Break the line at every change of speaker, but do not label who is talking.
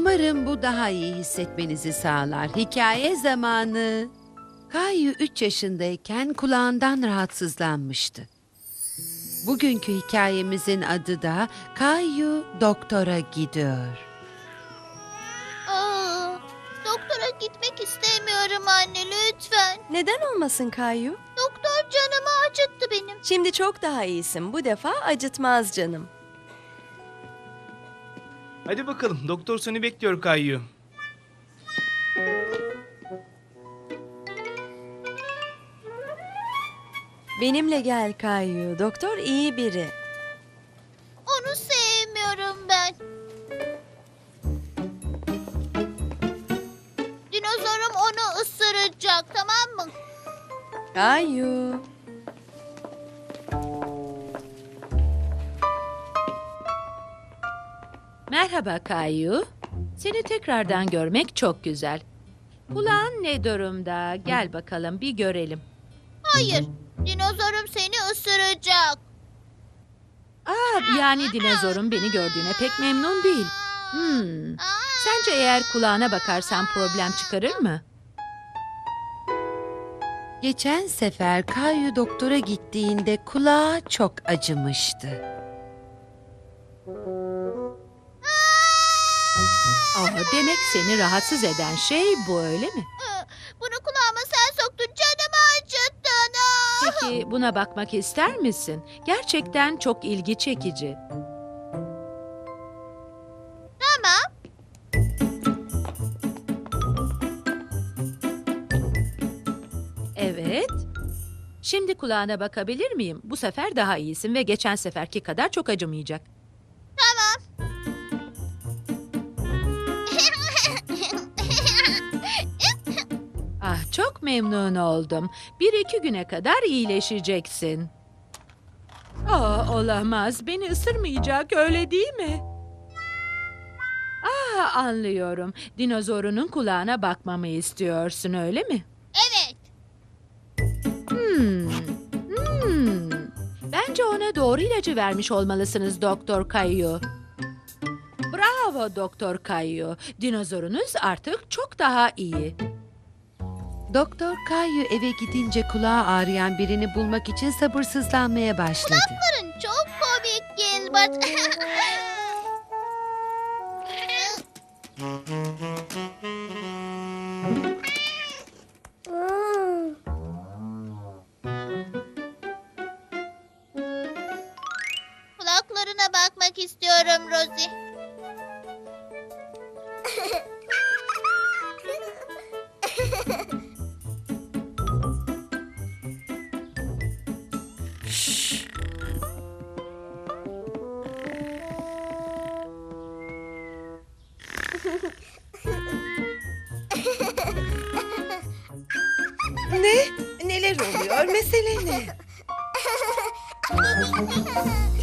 Umarım bu daha iyi hissetmenizi sağlar. Hikaye zamanı. Kayu 3 yaşındayken kulağından rahatsızlanmıştı. Bugünkü hikayemizin adı da Kayu Doktora Gidiyor.
Doktora gitmek istemiyorum anne, lütfen.
Neden olmasın Kayu?
Doktor canımı acıttı benim.
Şimdi çok daha iyisin. Bu defa acıtmaz canım.
Hadi bakalım, doktor seni bekliyor Kayyu.
Benimle gel Kayu. Doktor iyi biri.
Onu sevmiyorum ben. Dinozorum onu ısıracak, tamam mı?
Kayu.
Merhaba Kayu. Seni tekrardan görmek çok güzel. Kulağın ne durumda? Gel bakalım bir görelim.
Hayır, dinozorum seni ısıracak.
Yani dinozorun beni gördüğüne pek memnun değil. Sence eğer kulağına bakarsan problem çıkarır mı?
Geçen sefer Kayu doktora gittiğinde kulağı çok acımıştı.
Demek seni rahatsız eden şey bu, öyle mi?
Bunu kulağıma sen soktun, canımı acıttın.
Peki buna bakmak ister misin? Gerçekten çok ilgi çekici.
Tamam.
Evet. Şimdi kulağına bakabilir miyim? Bu sefer daha iyisin ve geçen seferki kadar çok acımayacak. Çok memnun oldum. 1-2 güne kadar iyileşeceksin. Olamaz. Beni ısırmayacak, öyle değil mi? Anlıyorum. Dinozorunun kulağına bakmamı istiyorsun, öyle mi?
Evet.
Bence ona doğru ilacı vermiş olmalısınız Doktor Kayu. Bravo Doktor Kayu. Dinozorunuz artık çok daha iyi.
Doktor Kayu eve gidince kulağı ağrıyan birini bulmak için sabırsızlanmaya başladı.
Kulakların çok komik Gilbert. Kulaklarına bakmak istiyorum Rosie.
Ne? Neler oluyor? Mesele ne?